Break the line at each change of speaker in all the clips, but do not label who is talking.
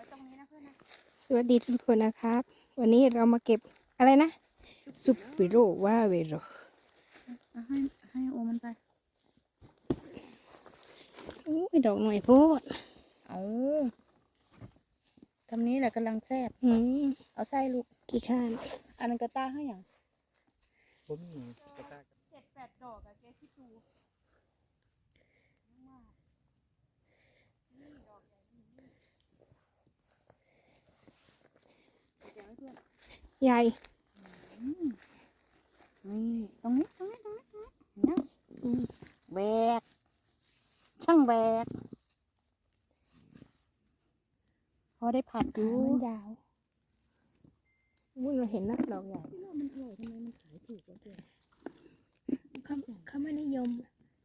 สวัสดีทุกคนนะครับวันนี้เรามาเก็บอะไรนะซุปปิโรว่าเวโร
ให้โอมันไป
อู้ยดอกหน่อยโพด
เอาทำนี้แหละกำลังแซ่บเอาไส้ลูก
กี่ข้าน
อันนั้นกระต้าให้อย่าง
ผมมีกระตาก
7-8 ดอกอะแกคิดดู
ใหญ่
นี่ตรงนี้นะแบกช่างแบกพอได้ผัดอยู่
มันยาวอุ้ยเราเห็นนะดอกใหญ่
มันอร่อยทำไมมันขายถูกจังเลย
เขาไม่นิยม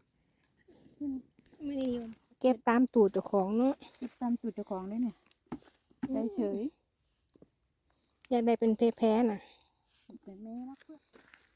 ไม่นิยมเก็บตามตูดเจ้าของเนาะ
ติดตามจุดเจ้าของได้เนี่ยได้เฉย
อยากได้เป็นแพ้ๆน่ะ
เป็นแม่รักเพื่อน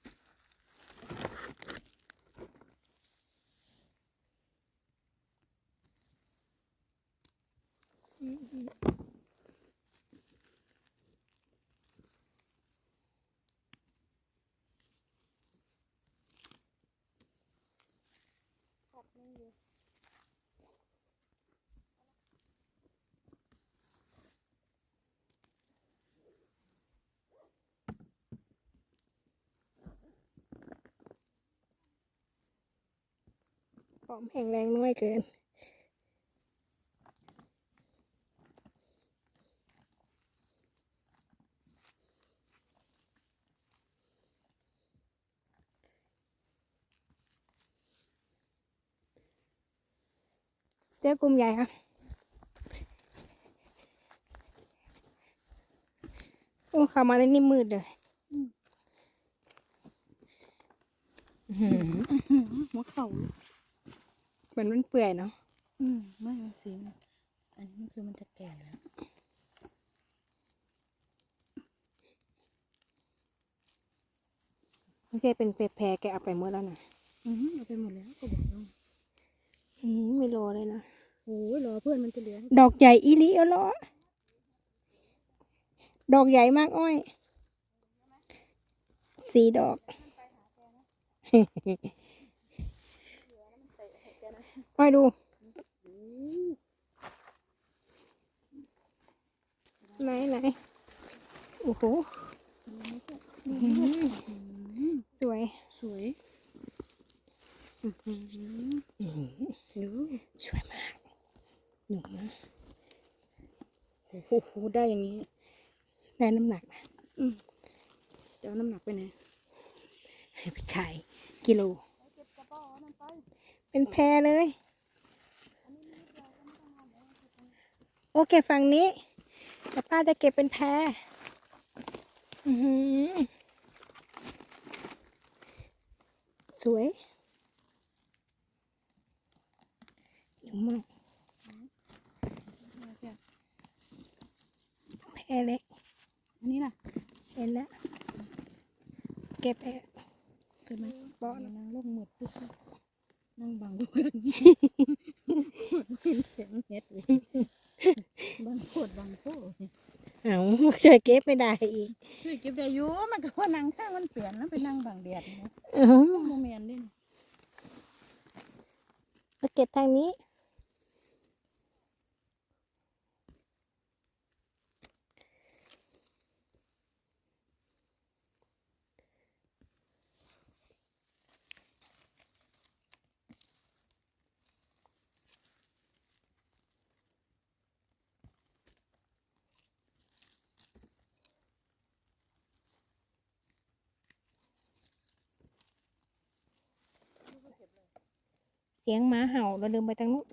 หอมแห้งแรงน้อยเกินเจ้ากลุ่มใหญ่ค่ะโอ้เข้ามาในนี่มืดเลย
หัวเข่า
เหมือนมันเปื่อยเนาะ
ไม่มันสีอันนี้คือมันจะแก่แล้ว
ไม่ใช่เป็นแพรแกเอาไปหมดแล้วนะ
เอาไปหมดแล้วก็บอกน้อง
ไม่รอเลยนะ
โอ้ยรอเพื่อนมันจะเหลือ
ดอกใหญ่อีลิเออเหรอดอกใหญ่มากอ้อย4 ดอกอ้อยดูไหนโอ้โหสวย
สวย
ดูสวยมากหนุ่มนะ
โอ้โหได้อย่างนี้
ได้น้ำหนักนะ
จะเอาน้ำหนักไปไหน
ให้ไปขายกิโลเป็นแพรเลยโอเคฝั่งนี้แต่ป้าจะเก็บเป็นแพรสวยหนุ่มมากแพรเล็ก
อันนี้ล่ะ
เห็นแล้วเก็บแพร
เกิดไหม
บ่อ
นั่งลงหมดปุ๊บนั่งบังเพื่อนเห็นเสียงเฮ็ดเลยบังโคตรบังโคตร
เอาช่วยเก็บไม่ได้อีก
ช่วยเก็บได้อยู่มันก็ว่านั่งข้างมันเปลี่ยนแล้วไปนั่งบังแดดนะโมเมนต์ดิ
มาเก็บทางนี้เสียงหมาเห่าเราเดินไปทางนู้น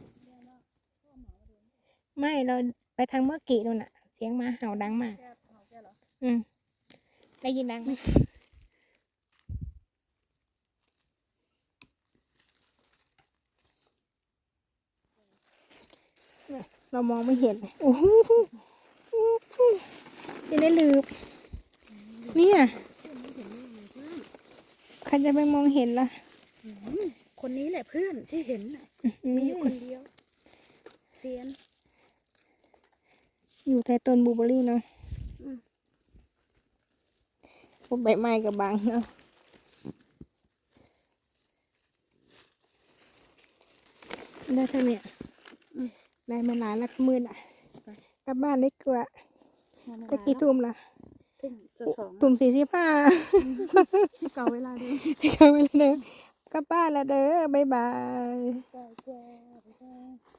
ไม่เราไปทางเมื่อกี้นู่นน่ะเสียงหมาเห่าดังมากได้ยินดังไหมเรามองไม่เห็นโอ้โหยังได้ลืบเนี่ยใครจะไปมองเห็นล่ะ
คนนี้แหละเพื่อนที่เห็นมีอยู่คนเดียวเซียน
อยู่ใต้ต้นบลูเบอร์รี่เนาะพวกใบไม้กับบางเนาะได้เท่าเนี้ยได้มาหลายละมืดอ่ะกลับบ้านได้กว่าจะกี่ทุ่มล่ะ
ทุ่มจะสอง
ทุ่ม45
เก่าเวลาเดิม
เดี๋ยวเวลาเด้อกลับบ้านแล้วเด้อบ๊ายบาย
จ้า